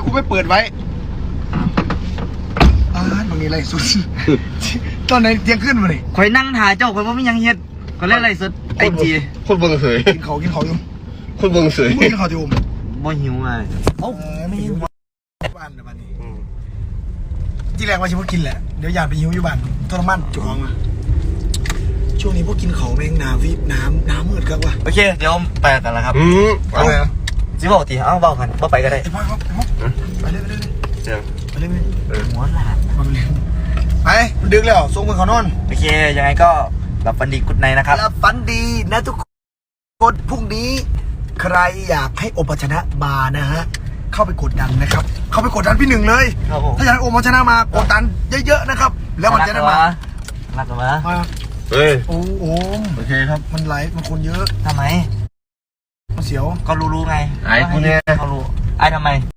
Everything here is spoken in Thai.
กูไม่เปิดไว้ตรงนี้ไรสุดตอนไหนเที่ยงขึ้นมาเลยข่อยนั่งถ่ายเจ้าข่อยว่าไม่ยังเฮ็ดก็เล่นอะไรสุดไอจีคนเบิ่งเสยกินเขาอยู่คนเบิ่งเสยกินเขาอยู่บ่หิวอ่ะไม่หิวบ้านเดี๋ยวบ้านนี้ที่แรกว่าฉันพวกกินแหละเดี๋ยวอยากไปหิวอยู่บ้านทรมานจุกมาช่วงนี้พวกกินเขาแมงน้ำมืดครับว่ะโอเคเดี๋ยวไปกันแล้วครับอะไรนะจิบอกตีเอาเบากันบ่ไปก็ได้ไอ้พ่อไปเลยเสียงไปเลยหัวหลานไปมันดึกแล้วส่งมือเขานอนโอเคยังไงก็หลับฝันดีกุดไนนะครับแล้วฝันดีนะทุกคนพรุ่งนี้ใครอยากให้โอปชนะมานะฮะเข้าไปกดดันนะครับเข้าไปกดดันพี่หนึ่งเลยครับผมถ้าอยากให้โอปชนะมากดดันเยอะๆนะครับแล้วมันจะได้มารักกันมาเฮ้ยโอ้มโอเคครับมันไลฟ์มันคนเยอะทำไมมันเสียวก็รู้ไงไอ้กูเนี่ยเขารู้ไอ้ทำไม